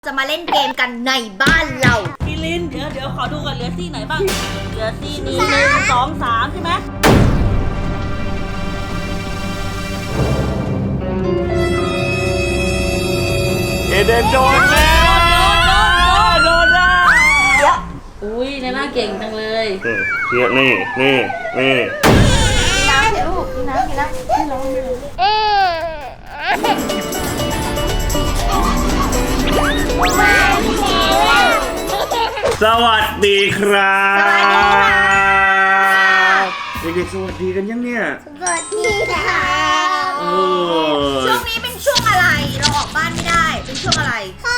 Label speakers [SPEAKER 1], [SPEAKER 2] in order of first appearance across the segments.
[SPEAKER 1] จะมาเล่นเกมกันในบ้านเรา
[SPEAKER 2] พี่ลินเดี๋ยวขอดูก่อนเหลือซี่ไหนบ้างเหลือซี่นี้1 2 3ใช่ไหม
[SPEAKER 3] เอเดนโดนแล้วโดนแล้ว
[SPEAKER 2] อุ้ยในหน้าเก่งจังเลย
[SPEAKER 3] เนี่ยนี่
[SPEAKER 1] น้ำเดี๋ยวลูกน้ำไม่ร้อง
[SPEAKER 3] สวัสดีครับ
[SPEAKER 1] สวัสดีค่ะ
[SPEAKER 3] เด็กๆสวัสดีกันยังเนี่ย
[SPEAKER 1] สวัสดีค่ะ
[SPEAKER 3] โอ้
[SPEAKER 1] ช่วงนี้เป็นช่วงอะไรเราออกบ้านไม่ได้เป็นช่วงอะไร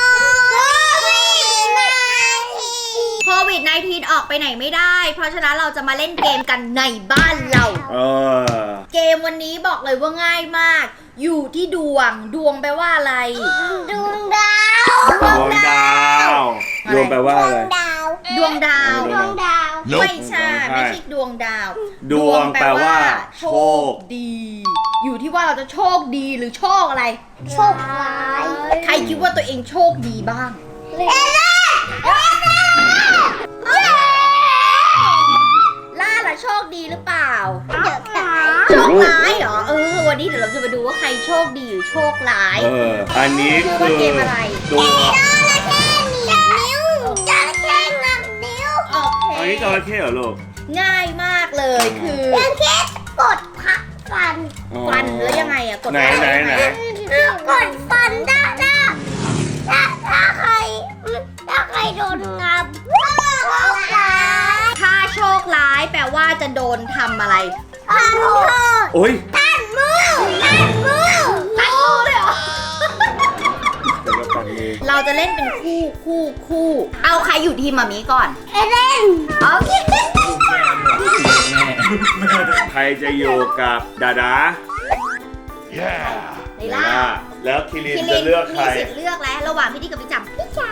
[SPEAKER 1] โควิด-19 ออกไปไหนไม่ได้ เพราะฉะนั้นเราจะมาเล่นเกมกันในบ้านเราเกมวันนี้บอกเลยว่าง่ายมาก อยู่ที่ดวงแปลว่าอะไรดวงดาว
[SPEAKER 3] ดวงดแปลว่าอะไร
[SPEAKER 1] ดวงดาวไม่ใช่ไม่ใช่ดวงดาว
[SPEAKER 3] ดวงแปลว่าโชค
[SPEAKER 1] ดี อยู่ที่ว่าเราจะโชคดีหรือโชคอะไรโชคร้ายใครคิดว่าตัวเองโชคดีบ้างล่าล่ะโชคดีหรือเปล่าโชคร้ายเหรอวันนี้เดี๋ยวเราจะมาดูว่าใครโชคดีหรือโชคร้าย
[SPEAKER 3] อันนี้คือ
[SPEAKER 1] เกมอะไร
[SPEAKER 3] ตัว
[SPEAKER 1] โอเค
[SPEAKER 3] อันนี้จระเข้เหรอลูก
[SPEAKER 1] ง่ายมากเลยคือแค่กดพักฟันแล้วยังไงอะกด
[SPEAKER 3] ไหน
[SPEAKER 1] กดฟันได้ถ้าใครโดนงับถ้าโชคร้ายแปลว่าจะโดนทำอะไรทำโทษ
[SPEAKER 3] โอ้ย
[SPEAKER 1] ตัดมือเลยเหรอเราจะเล่นเป็นคู่เอาใครอยู่ทีมมามีก่อนเล่นโอเค
[SPEAKER 3] ใครจะอยู่กับดา
[SPEAKER 1] ไนล่า
[SPEAKER 3] แล้วคิรินจะเลือกใคร
[SPEAKER 1] มีสิทธิ์เลือกแล้วระหว่างพี่ดิกับพี่จ๋าพี่จ๋า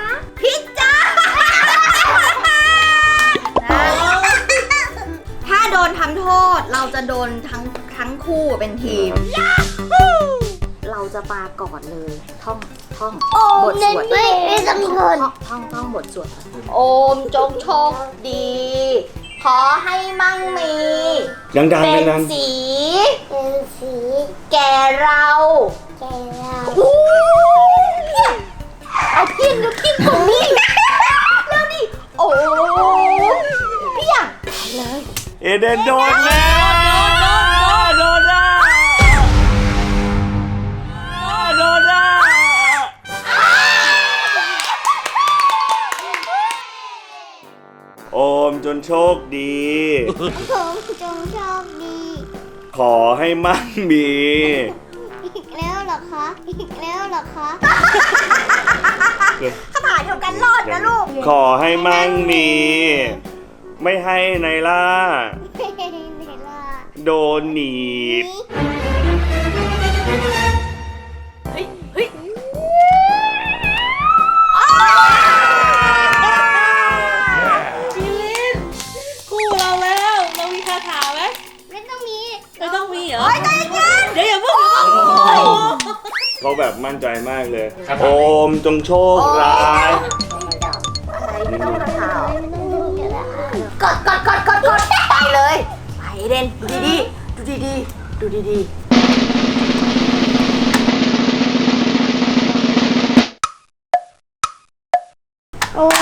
[SPEAKER 1] ถ้าโดนทำโทษเราจะโดนทั้งคู่เป็นทีมเราจะมาก่อนเลยท่องบทสวดไม่ต้องท่องบทสวดโอมจงโชคดีขอให้มั่งมีเป็นสีแก่เราเอาพินตรงนี้แล้วนี่โอ้พี่อยากเลย
[SPEAKER 3] เอเดนโดนแล้วโดนโอมจนโชคดีขอให้มั่งมี
[SPEAKER 1] อีกแล้วเหรอคะถ้าผ่านเดียวกันรอดนะลูก
[SPEAKER 3] ขอให้มั่งมีไม่ให้ไนล่าโดนหนีบ
[SPEAKER 2] พี่ลินคู่เราแล้วเรามีคาถาไหมไม่ต้องมีเหรอเดี๋ยวอย่าเพิ่ง
[SPEAKER 3] เขาแบบมั่นใจมากเลยโอมจงโชคร้าย
[SPEAKER 1] ไม่ต้องมาข่าวกดไปเลยไปเด่นดูดีโอ้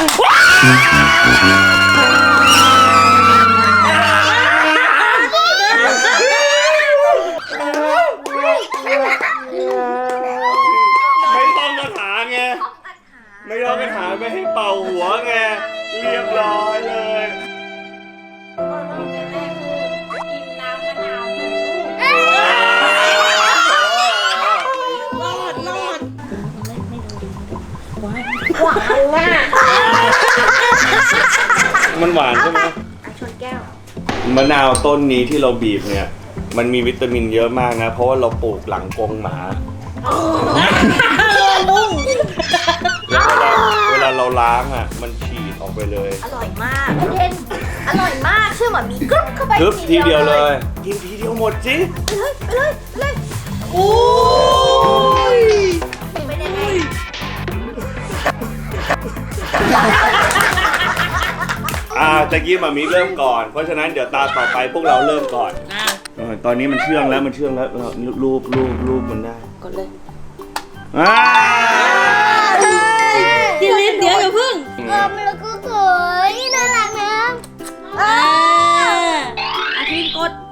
[SPEAKER 3] ไม่ต้องคาถาไงไม่ต้องคาถาไม่ให้เป่าหัวไงเรียบร้อยเลย
[SPEAKER 1] หวานมาก
[SPEAKER 3] มันหวานใช่ไหม
[SPEAKER 1] ชนแก้ว
[SPEAKER 3] มะนาวต้นนี้ที่เราบีบเนี่ยมันมีวิตามินเยอะมากนะเพราะว่าเราปลูกหลังกรงหมาแล้วเวลาเราล้างอ่ะมันฉีดออกไปเลย
[SPEAKER 1] อร่อยมากเด่นอร่อยมากเชื่อหมอมีกรึ๊บเข้าไป
[SPEAKER 3] ทีเดียวเลยกินทีเดียวหมดสิ
[SPEAKER 1] ไปเลยโอ้ยเป็นยังไง
[SPEAKER 3] ตะกี้มามีเริ่มก่อน เพราะฉะนั้นเดี๋ยวตาต่อไปพวกเราเริ่มก่อน ตอนนี้มันเชื่องแล้วรูปมันได้
[SPEAKER 1] กดเลย
[SPEAKER 2] พี่ลินเดี๋ยวอย่าพึ่ง
[SPEAKER 1] มันก็สวยน่ารักนะ
[SPEAKER 2] อาทิตย์กด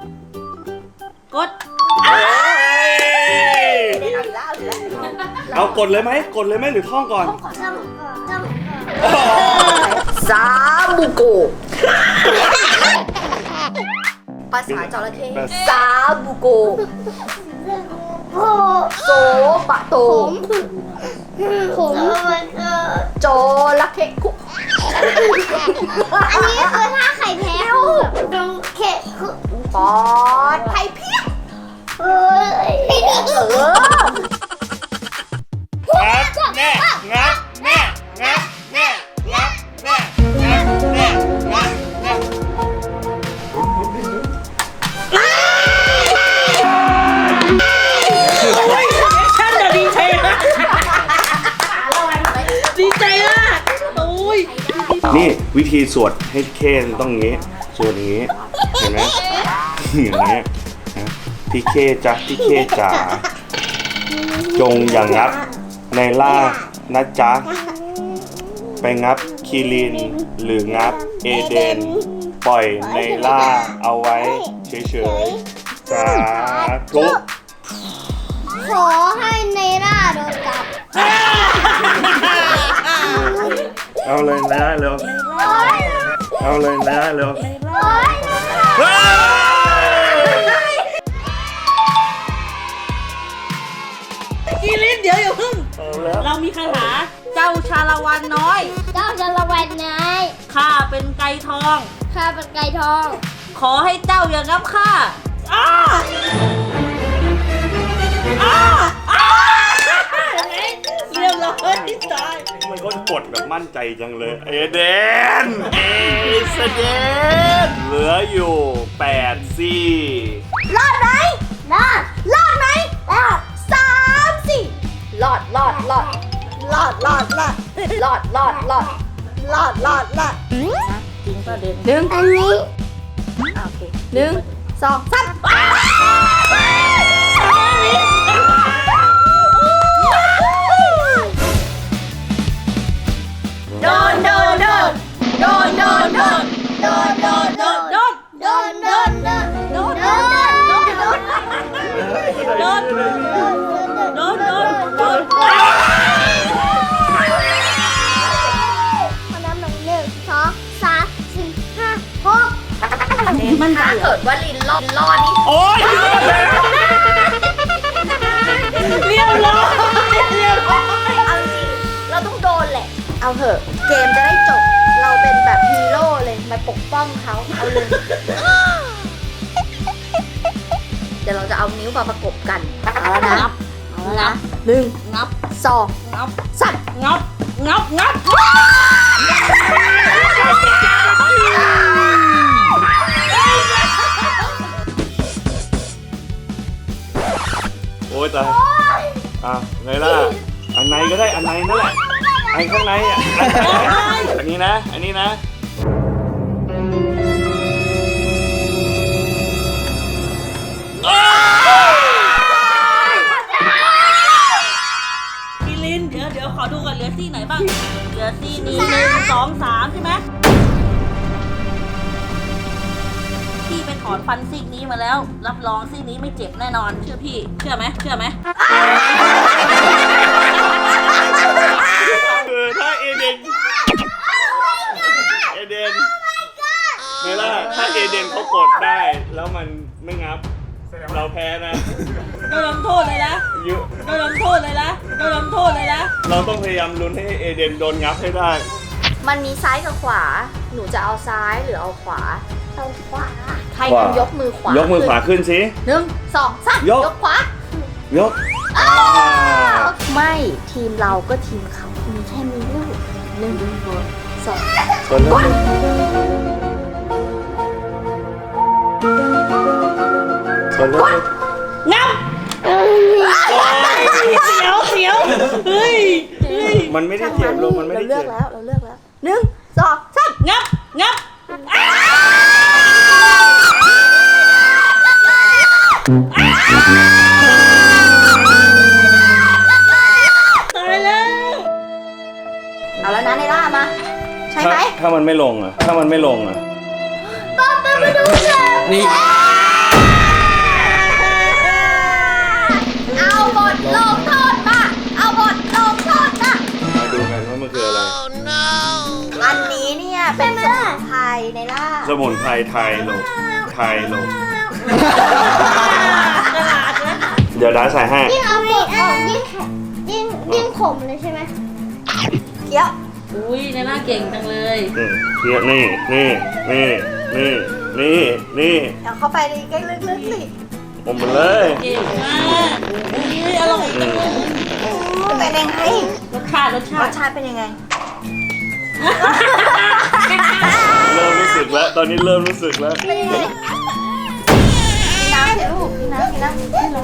[SPEAKER 3] เอากดเลยไหมหรือท่องก่อน
[SPEAKER 1] ซาบูโกภาษาจระเข้ซาบูโกโซปะโตโจระเข้คุ
[SPEAKER 4] อันนี้คือถ้าไข่แพ้ตรงเข็ด
[SPEAKER 1] ปอดไผ่เพี้ย
[SPEAKER 2] ฉันจะดีใจมากดีใจมากโอ้ย
[SPEAKER 3] นี่วิธีสวดให้เค้ต้องอย่างนี้สวดอย่างนี้เห็นไหมอย่างนี้นะพี่เคจ๊ะพี่เคจ๋าจงอย่างงับในล่านะจ๊ะไปงับคีรินหรืองับเอเดนปล่อยในล่าเอาไว้เฉยๆสาธุ
[SPEAKER 4] ขอให้เนร่าโดนจับ
[SPEAKER 3] เอาเลยนะเร็วเอาเลยนะเร็ว
[SPEAKER 2] พี่ลินเดี๋ยวอย่าพึ่ง
[SPEAKER 3] เอาแล้ว
[SPEAKER 2] เรามีคาถาเจ้าชาละวันน้อย
[SPEAKER 4] เจ้าจะระแวงนาย
[SPEAKER 2] ข้าเป็นไก่ทอง
[SPEAKER 4] ข้าเป็นไก่ทอง
[SPEAKER 2] ขอให้เจ้าอย่างับข้าอ้าเรียบร้อยตาย
[SPEAKER 3] มันก็กดแบบมั่นใจจังเลยเอเดนเหลืออยู่8ซี่
[SPEAKER 1] รอดไหม
[SPEAKER 4] รอด
[SPEAKER 1] รอดไหมรอด3 4รอด
[SPEAKER 2] จริงป่ะเด่น
[SPEAKER 4] อันนี้
[SPEAKER 1] โอเค1 2 3โดน
[SPEAKER 2] โดน
[SPEAKER 4] โดนโดนโดนโดนโดนโดนโดนโดนโดนโดนโดนโดนพอน้ำหนึ่ง1 2 3 4 5 6
[SPEAKER 2] มัน
[SPEAKER 1] ถ้าเกิดว่าลินรอดนี่
[SPEAKER 3] โอ๊ย
[SPEAKER 2] เรียบร้อย
[SPEAKER 1] เอาจริงเราต้องโดนแหละ เอาเถอะเกมจะได้จบเราเป็นแบบฮีโร่เลยมาปกป้องเขาเอาเลย เดี๋ยวเราจะเอานิ้วมาประกบกันเอาแล้วนะเอาแล้วนะ1
[SPEAKER 2] งับ
[SPEAKER 1] 2
[SPEAKER 2] งับ
[SPEAKER 1] 3
[SPEAKER 2] งับ
[SPEAKER 3] โอ้ยตายไงล่ะอันไหนก็ได้อันไหนนั่นแหละอันข้างในอ่ะอันนี้นะ
[SPEAKER 2] พี่ลินเดี๋ยวขอดูก่อนเหลือซี่ไหนบ้างเหลือซี่นี้1 2 3ใช่ไหมพี่ไปถอนฟันซีกนี้มาแล้วรับรองซีกนี้ไม่เจ็บแน่นอนเชื่อพี่เชื่อไหม
[SPEAKER 3] ถ้าเอเดนไงล่ะถ้าเอเดนเขากดได้แล้วมันไม่งับเราแพ้นะ
[SPEAKER 2] โดนลำโทษเลยนะ โดนลำโทษเลยนะ
[SPEAKER 3] เราต้องพยายามลุ้นให้เอเดนโดนงับให้ได้
[SPEAKER 1] มันมีซ้ายกับขวาหนูจะเอาซ้ายหรือเอาขวา
[SPEAKER 4] เอาขวา
[SPEAKER 1] ใครกันยกมือขวาย
[SPEAKER 3] กมือขวาขึ้นสิ
[SPEAKER 1] 1 2 3ยกขวาย
[SPEAKER 3] ก
[SPEAKER 1] ไม่ทีมเราก็ทีมเขามีแค่มีลูก1 2
[SPEAKER 3] คนละ
[SPEAKER 2] งับเสียวเฮ้ย
[SPEAKER 3] มันไม่ได้เจ็บลงมันไม่ได้
[SPEAKER 1] เราเลื
[SPEAKER 3] เจ็
[SPEAKER 1] อบ กแล้ว 1 2 3
[SPEAKER 2] งับงับตายแล้ว
[SPEAKER 1] เอาแล้วนะในล่ามา ใช่ไหม
[SPEAKER 3] ถ้ามันไม่ลงอ่ะ
[SPEAKER 4] ป๊ามาดูกัน
[SPEAKER 3] นี่
[SPEAKER 1] เอาบทลงโทษมา เอาบทลงโทษมา
[SPEAKER 3] มาดูกันว่ามันคืออะไร
[SPEAKER 1] อันนี้เนี่ยเป็นสมุนไพรในล่า
[SPEAKER 3] สมุนไพรไทยลง
[SPEAKER 2] กระดาษนะ
[SPEAKER 3] เดี๋ยวด้าใส่ให้
[SPEAKER 4] ยิ่งเอาหมดออกยิ่งแข็งยิ่งขมเลยใช่ไหม
[SPEAKER 1] เคี้ยว
[SPEAKER 2] อุ้ยในหน้าเก่งจังเลย
[SPEAKER 3] เทียนี่
[SPEAKER 1] เอาเข้าไปในใกล้ลึกๆสิ
[SPEAKER 3] อมมันเลย
[SPEAKER 2] เก่งมากอุ้ยอร่อยจังเลย
[SPEAKER 1] เป็นยังไง
[SPEAKER 2] รสชาติ
[SPEAKER 1] รสชาติเป็นยังไง
[SPEAKER 3] เริ่มรู้สึกแล้ว ตอนนี้เริ่มรู้สึกแล้ว
[SPEAKER 1] เป็นยังไงกินน้ำสิลูกกินน้ำให้ลง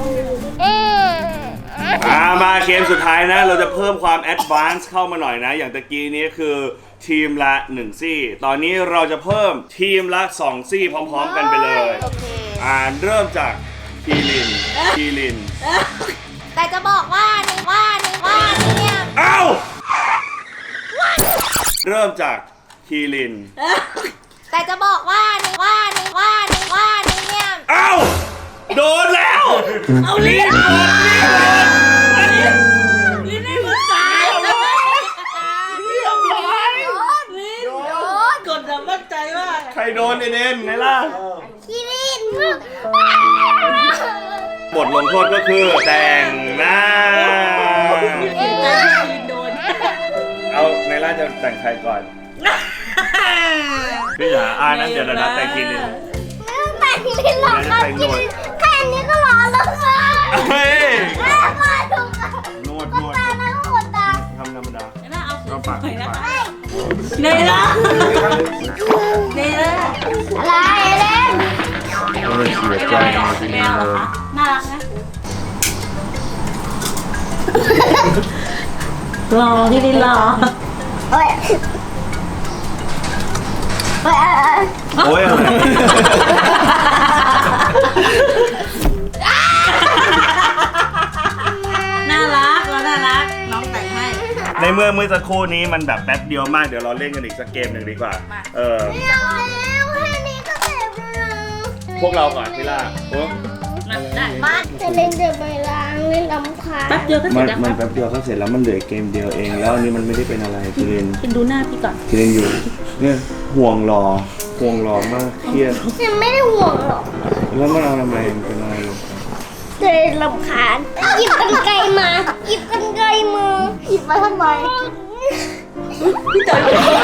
[SPEAKER 3] มาเกมสุดท้ายนะ เราจะเพิ่มความแอดวานซ์เข้ามาหน่อยนะ อย่างตะกี้นี้คือทีมละ1ซี่ ตอนนี้เราจะเพิ่มทีมละ2ซี่พร้อมๆกันไปเลย
[SPEAKER 1] โอเค
[SPEAKER 3] เริ่มจากทีลิน
[SPEAKER 1] แต่จะบอกว่าเนี่ย
[SPEAKER 3] เอ้า เริ่มจากทีลิน
[SPEAKER 1] แต่จะบอกว่าเนี่ย
[SPEAKER 3] เอ้า โดนแล้ว
[SPEAKER 2] เอาลิ้นลิ้นให้มันตายเลย
[SPEAKER 3] เรียบร้อย
[SPEAKER 2] ลิ้นกดแบบมั่นใจมาก
[SPEAKER 3] ใครโดนเด่นไหนล่ะ
[SPEAKER 4] คิริน
[SPEAKER 3] บทลงโทษก็คือแต่งหน้า
[SPEAKER 2] ลิ้นโดน
[SPEAKER 3] เอาในล่าจะแต่งใครก่อน พี่จ๋านั้นเดี๋ยวนะแต่งทีลิน
[SPEAKER 4] แต่คิรินหรอครับคิรินแค่นี้ก็ร้อนแล้วค่ะ
[SPEAKER 3] เฮ้ย
[SPEAKER 4] มาถูกค่ะ
[SPEAKER 3] นวด
[SPEAKER 4] ตาแล้วก็หมดตา
[SPEAKER 3] ทำธรรมดา
[SPEAKER 2] ในหน้าเอา
[SPEAKER 3] เอาปาก
[SPEAKER 2] หน่อยนะ
[SPEAKER 3] ปาก
[SPEAKER 2] คะในหน้าในหน้า
[SPEAKER 4] อะไรเล่น
[SPEAKER 3] เสียใจ
[SPEAKER 2] แมวเหรอคะน่ารักนะรอที่ลิ้นรอ
[SPEAKER 4] เฮ้ยเฮ้ย
[SPEAKER 3] โอ้ยอะไร
[SPEAKER 2] น่ารักเราน่ารักน้องแต่งให้
[SPEAKER 3] ในเมื่อสักครู่นี้มันแบบแป๊บเดียวมากเดี๋ยวเราเล่นกันอีกสักเกมหนึ่งดีกว่า
[SPEAKER 2] มา
[SPEAKER 4] ไม่เอาแล้วแค่นี้ก็เจ็บแล้ว
[SPEAKER 3] พวกเราก่อนพี่ล่าโอ้
[SPEAKER 2] มาได้
[SPEAKER 1] มา
[SPEAKER 4] จะเล่นเดี๋ยวไปล้างเล่นลำคาญ
[SPEAKER 2] แป๊บเดียวก็เสร็จแล้วครับ
[SPEAKER 3] แป๊บเดียวก็เสร็จแล้วมันเหลือเกมเดียวเองแล้วอันนี้มันไม่ได้เป็นอะไรทีลิน
[SPEAKER 2] คุณดูหน้าพี่ก่อน
[SPEAKER 3] ทีลินอยู่เนี่ยห่วงรอมากเครียด
[SPEAKER 4] ยังไม่ได้ห่วงหรอก
[SPEAKER 3] แล้วมันเอาทำไมมันเป็นอะไรลง
[SPEAKER 4] จะลำคาญหยิบกันไกลมาหยิบกันไกลมือ
[SPEAKER 1] หยิบมาทำไม
[SPEAKER 2] พี่จอย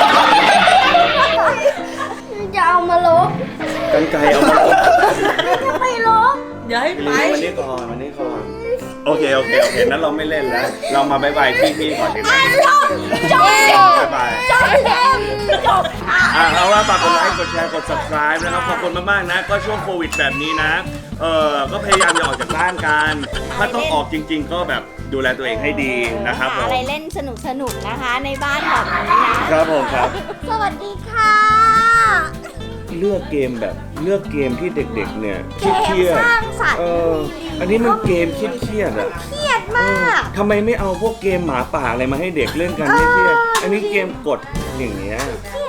[SPEAKER 4] จะเอามาลบ
[SPEAKER 3] กันไกลเอามา
[SPEAKER 4] จะไปลบ
[SPEAKER 2] อย่าให้ไป
[SPEAKER 3] วันนี้ก่อนโอเคนั้นเราไม่เล่นแล้ว เรามาบายบายพี่ก่อนดีกว่า
[SPEAKER 4] จบ
[SPEAKER 3] บ๊ายบาย
[SPEAKER 4] จบเกมจบ
[SPEAKER 3] เอาว่าฝากกดไลค์กดแชร์กด subscribe นะครับขอบคุณมากๆนะ ก็ช่วงโควิดแบบนี้นะก็พยายามอย่าออกจากบ้านกันถ้าต้องออกจริง ๆ ก็แบบดูแลตัวเองให้ดีนะครับผม
[SPEAKER 1] อะไรเล่นสนุกนะคะในบ้านแบบนี้นะครับ
[SPEAKER 3] ผมครับ
[SPEAKER 1] สวัสดีค่ะ
[SPEAKER 3] เลือกเกมที่เด็กๆเนี่ยเครียด
[SPEAKER 1] สร้างสรรค์
[SPEAKER 3] อันนี้มันเกมเครียดๆอ่ะ
[SPEAKER 1] เครียดมาก
[SPEAKER 3] ทำไมไม่เอาพวกเกมหมาป่าอะไรมาให้เด็กเล่นกันไม่เครียดอันนี้เกมกดอย่างเงี้ย
[SPEAKER 1] เครี